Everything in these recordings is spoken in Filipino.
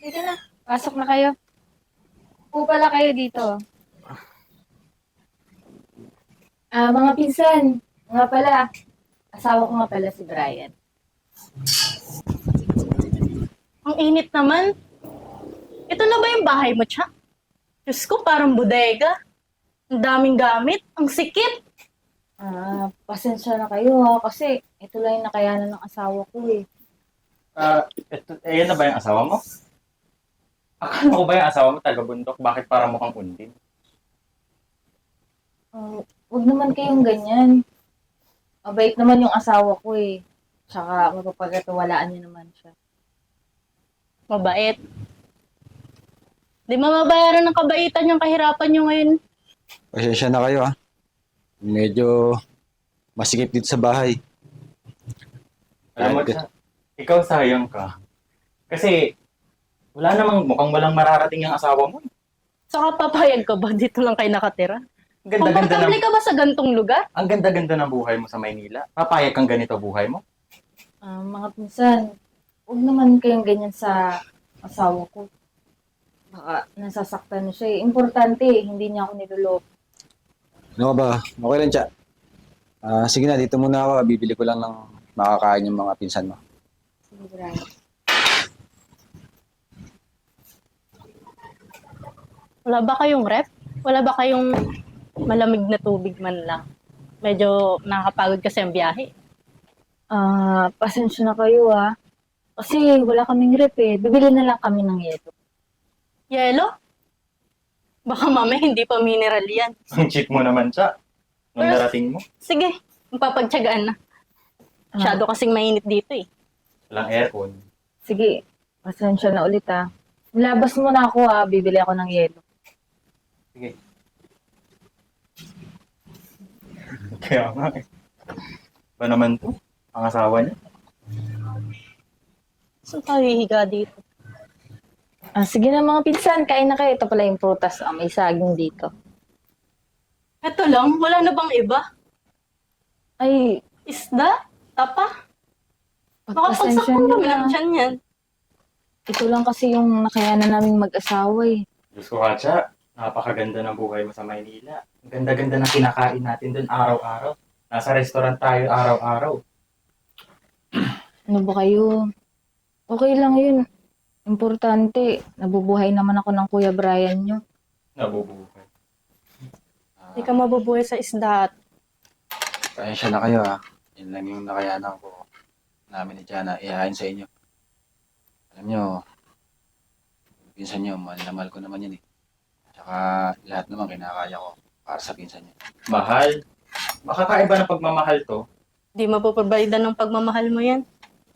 Sige na, pasok na kayo. Upo pala kayo dito. Mga pinsan, nga pala, asawa ko nga pala si Brian. Ang init naman. Ito na ba yung bahay mo, Tsa? Diyos ko, parang bodega. Ang daming gamit. Ang sikip. Pasensya na kayo ha, kasi ito lang yung nakayanan ng asawa ko eh. Yan na ba yung asawa mo? Akala ko ba yung asawa mo taga-bundok? Bakit parang mukhang undin? Huwag naman kayong ganyan. Mabait naman yung asawa ko eh. Tsaka mapapagkatiwalaan niya naman siya. Mabait. Di mababayaran ng kabaitan yung kahirapan nyo ngayon. Pasensya na kayo Medyo masikip dito sa bahay. Alam mo, ikaw sayang ka. Kasi wala namang mukhang walang mararating yung asawa mo. Saka papayag ka ba? Dito lang kayo nakatira. Ang ganda-ganda Komportable ng, ka ba sa gantong lugar? ang ganda-ganda ng buhay mo sa Maynila. Papayag kang ganito buhay mo? Mga pinsan, huwag naman kayong ganyan sa asawa ko. Baka nasasaktan na siya eh. Importante, hindi niya ako niloloko. Ano ka ba? Okay lang, Tsa. Sige na, dito muna ako. Bibili ko lang ng makakain yung mga pinsan mo. Sige, Brian. Wala ba kayong rep? Wala ba kayong malamig na tubig man lang? Medyo nakakapagod kasi ang biyahe. Pasensya na kayo Kasi wala kaming rep eh. Bibili na lang kami ng yelo. Yelo? Baka mamaya hindi pa mineral yan. Ang cheap mo naman siya. Nung Pero- darating mo, Sige, magpapagtyagaan na. Masyado kasing mainit dito eh. walang aircon. Sige, pasensya na ulit Labas mo na ako bibili ako ng yelo. Sige. Kaya nga eh. Ba naman to? Ang asawa niya? Saan tayo hihiga dito? Sige na mga pinsan, kain na kayo. Ito pala yung prutas. May saging dito. Eto lang, wala na bang iba? Ay, Isda? Tapa? Baka pagpasensya pagsaktan niyo kami ng na. tiyan yan. Ito lang kasi yung nakayanan naming mag-asawa eh. Diyos ko, Katya, napakaganda ng buhay mo sa Maynila. Ang ganda-ganda ng kinakain natin doon araw-araw. Nasa restaurant tayo araw-araw. Ano ba kayo? Okay lang yun. Importante, nabubuhay naman ako ng Kuya Brian nyo. Nabubuhay. Hindi ka mabubuhay sa isda at Pasensya na kayo Yan lang yung nakayanan ko namin ni Jana. Ihain sa inyo. Alam nyo, pinsan nyo, mahal na mahal ko naman yan Tsaka lahat naman kinakaya ko para sa pinsan nyo. Mahal. Makakaiba ng pagmamahal to. di mapaprovide ng pagmamahal mo yan.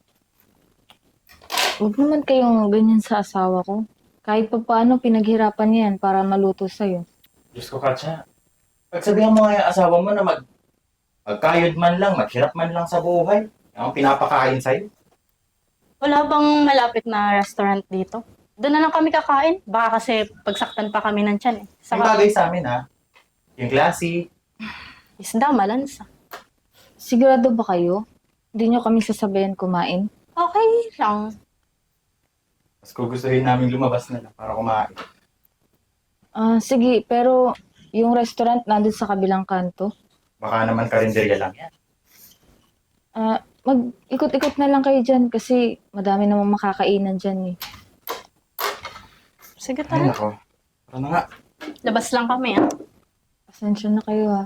Huwag naman kayong ganyan sa asawa ko. Kahit pa paano, pinaghirapan niya yan para maluto sa'yo. Diyos ko, Katya. Pagsabihan mo nga yung asawa mo na magkayod man lang, maghirap man lang sa buhay. Yung pinapakain sa'yo. Wala bang malapit na restaurant dito? Doon na lang kami kakain. Baka kasi pagsaktan pa kami ng tiyan eh. Yung Saka bagay sa amin yung classy. isda, malansa. Sigurado ba kayo? Hindi nyo kami sasabayan kumain? Okay lang. Mas gugustuhin namin lumabas na lang para kumain. Sige, pero yung restaurant nandun sa kabilang kanto. Baka naman karinderya lang yan. Mag-ikot-ikot na lang kayo dyan kasi madami namang makakainan dyan eh. Sige, Ay, tara. nako. Tara na nga. Labas lang kami Pasensya na kayo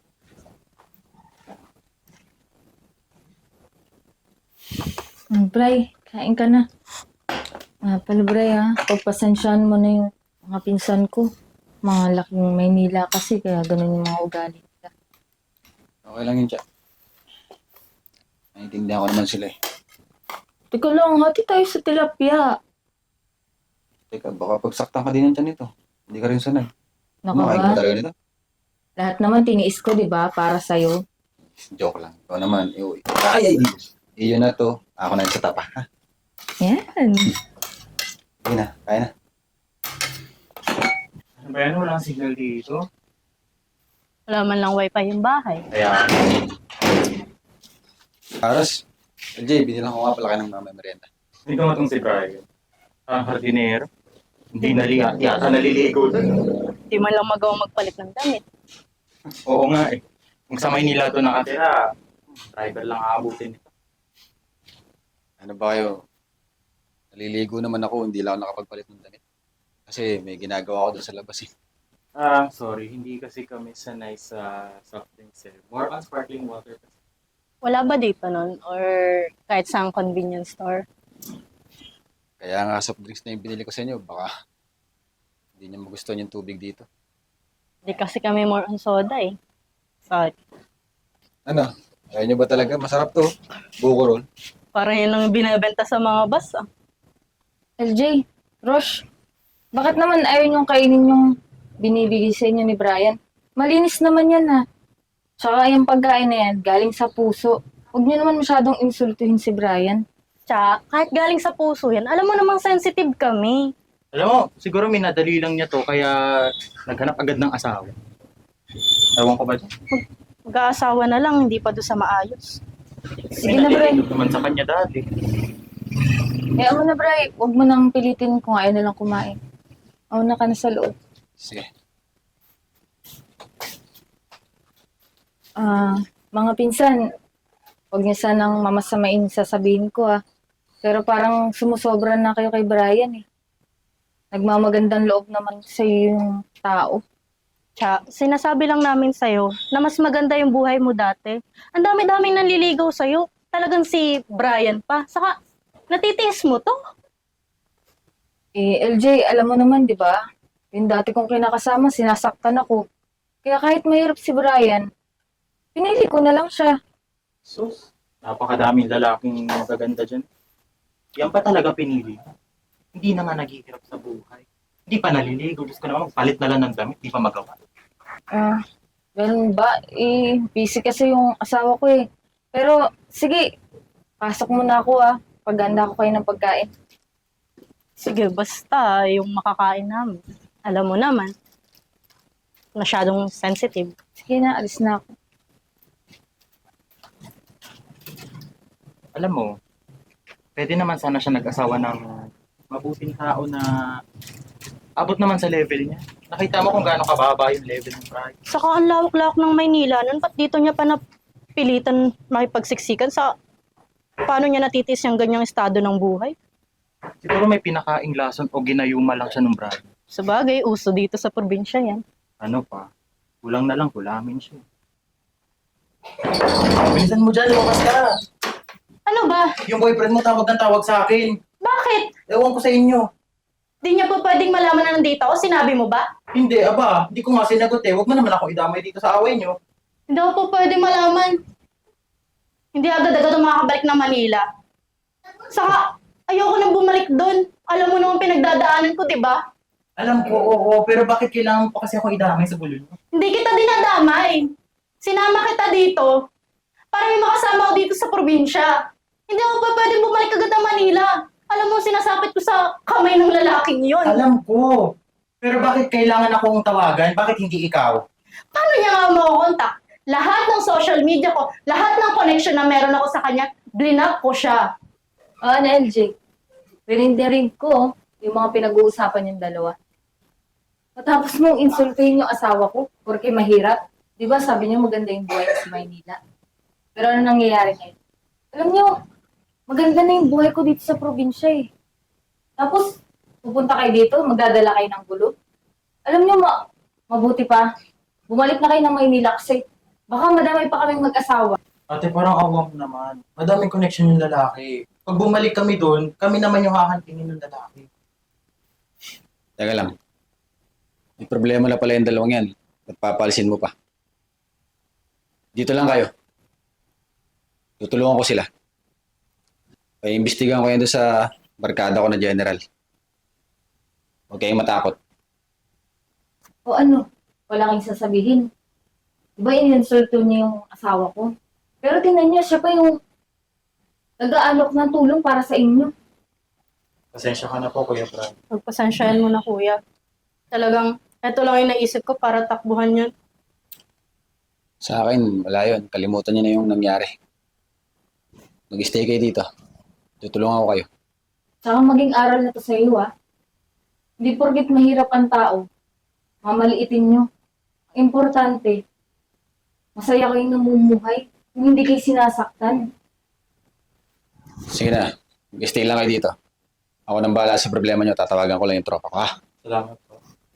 Bray, kain ka na. Pala Bray pagpasensyahan mo na yung mga pinsan ko. Mga laking Maynila kasi kaya ganun yung mga ugali nila. Okay lang yun, Tsa. Naiintindihan ko naman sila Teka lang, hati tayo sa tilapia. Teka, baka pagsaktan ka din ng tiyan nito. Hindi ka rin sanay. Naku Kumakain ka ba? talaga nito? Lahat naman tiniis ko, di ba? Para sa'yo. Joke lang. Ikaw naman. Ay! Iyon na to. Ako na sa tapa. Yan. Sige na, kaya na. Ano ba yan? Walang signal dito. Wala man lang wifi yung bahay. Kaya, Aras, LJ, binilang ko nga pala kayo ng mamay merienda. hindi ko matong si Brian. Parang hardinero. Hindi yata naliligo doon. Di man lang magawa magpalit ng damit. Oo nga eh. Kung sa Maynila to nakatira, driver lang aabutin. Ano ba kayo? Naliligo naman ako, hindi lang ako nakapagpalit ng damit. Kasi may ginagawa ako doon sa labas eh. Sorry. Hindi kasi kami sanay sa soft drinks eh. More on sparkling water. Wala ba dito nun? Or kahit sa convenience store? Kaya nga soft drinks na yung binili ko sa inyo, baka hindi niyo magustuhan yung tubig dito. Di kasi kami more on soda eh. Sorry. Ano? Ayaw niyo ba talaga? Masarap to. Buko roll. Parang yun lang yung binibenta sa mga bus ah. LJ, Rosh, bakit naman ayaw niyong kainin yung binibigay sa inyo ni Brian? Malinis naman yan ha. Tsaka yung pagkain na yan, galing sa puso. Huwag niyo naman masyadong insultuhin si Brian. Tsaka, kahit galing sa puso yan, alam mo namang sensitive kami. Alam mo, siguro minadali lang niya to kaya naghanap agad ng asawa. Ewan ko ba dyan? Mag-aasawa na lang, hindi pa doon sa maayos. Sige na, Bray. Naman sa kanya dati. Eh, mo na, Bray. Huwag mo nang pilitin kung ayaw na lang kumain. Mauna ka na sa loob. Sige. Mga pinsan, huwag niyo sanang mamasamain sasabihin ko Pero parang sumusobra na kayo kay Brian eh. Nagmamagandang loob naman sa yung tao. Tsaka, sinasabi lang namin sa'yo na mas maganda yung buhay mo dati. Ang dami-daming nanliligaw sa'yo. Talagang si Brian pa. Saka, natitiis mo to. Eh, LJ, alam mo naman, di ba? Yung dati kong kinakasama, sinasaktan ako. Kaya kahit mahirap si Brian, pinili ko na lang siya. Sus, napakadaming lalaking magaganda dyan. Yan pa talaga pinili. Hindi na nga naghihirap sa buhay. Hindi pa naliligo. Diyos ko naman, magpalit na lang ng damit. Hindi pa magawa. Ganun ba? Eh, busy kasi yung asawa ko eh. Pero, sige, pasok muna ako Paghanda ko kayo ng pagkain. Sige, basta yung makakain namin. Alam mo naman, masyadong sensitive. Sige na, alis na ako. Alam mo, pwede naman sana siya nag-asawa ng mabuting tao na abot naman sa level niya. Nakita mo kung gaano kababa yung level ng Brian. Saka ang lawak-lawak ng Maynila nun, ba't dito niya pa napilitan makipagsiksikan sa paano niya natitis yung ganyang estado ng buhay? Siguro may pinakaing lason o ginayuma lang siya ng Brian. Sabagay, uso dito sa probinsya yan. Ano pa? Kulang na lang, kulamin siya. Bilisan mo dyan, lumabas ka. Ano ba? Yung boyfriend mo tawag ng tawag sa akin. Bakit? Ewan ko sa inyo. Di niya pa pwedeng malaman na nandito ako? Sinabi mo ba? Hindi, hindi ko nga sinagot eh. Huwag mo naman ako idamay dito sa away nyo. Hindi ako pa pwedeng malaman. Hindi agad-agad ako makakabalik ng Manila. Saka, ayoko nang bumalik doon. Alam mo naman pinagdadaanan ko, di ba? Alam ko, oo, pero bakit kailangan pa kasi ako idamay sa bulol mo? Hindi kita dinadamay. Sinama kita dito para may makasama ako dito sa probinsya. Hindi ako pa pwedeng bumalik agad ng Manila. Alam mo, sinasapit ko sa kamay ng lalaking yon. Alam ko. Pero bakit kailangan akong tawagan? Bakit hindi ikaw? Paano niya nga makukontak? Lahat ng social media ko, lahat ng connection na meron ako sa kanya, blinak ko siya. LJ, rin ko yung mga pinag-uusapan yung dalawa. Matapos mong insultuhin yung asawa ko, porque mahirap. Di ba sabi niyo maganda yung buhay sa Maynila? Pero ano nangyayari ngayon? Alam niyo, maganda na yung buhay ko dito sa probinsya eh. Tapos, pupunta kayo dito, magdadala kayo ng gulo. Alam niyo, mabuti pa, bumalik na kayo ng Maynila kasi baka madamay pa kaming mag-asawa. Ate, parang awa mo naman. Madaming connection yung lalaki. Pag bumalik kami doon, kami naman yung hahantingin ng lalaki. Teka lang. May problema na pala yung dalawang yan. Nagpapalisin mo pa. Dito lang kayo. Tutulungan ko sila. Iimbestigahan ko yan doon sa barkada ko na general. Huwag kayong matakot. O ano, wala kang sasabihin. Diba ininsulto niyo yung asawa ko? Pero tingnan niyo, siya pa yung nag-aalok ng tulong para sa inyo. Pasensya ka na po, Kuya Brad. Pagpasensyahan mo na, kuya. Talagang, eto lang yung naisip ko para takbuhan yun. Sa akin, wala yun. Kalimutan niyo na yung nangyari. Mag-stay kayo dito. Tutulungan ko kayo. Tsaka maging aral na to sa iyo, ah. Hindi porket mahirap ang tao, mamaliitin nyo. Ang importante, masaya kayong namumuhay, kung hindi kayo sinasaktan. Sige na, stay lang kayo dito. Ako nang bahala sa problema nyo, tatawagan ko lang yung tropa ko, ha? Salamat po.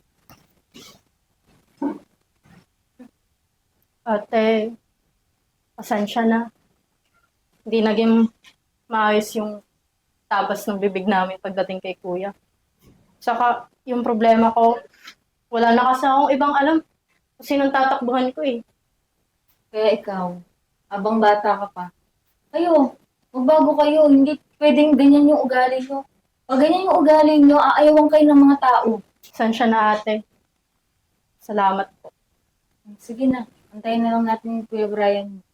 Ate, pasensya na. Hindi naging maayos yung tabas ng bibig namin pagdating kay kuya. Saka, yung problema ko, wala na kasi akong ibang alam kung sinong tatakbuhan ko eh. Kaya ikaw, abang bata ka pa, kayo, magbago kayo, hindi pwedeng ganyan yung ugali nyo. Pag ganyan yung ugali nyo, aayawan kayo ng mga tao. Pasensya na ate. Salamat po. Sige na, antayin na lang natin yung Kuya Brian.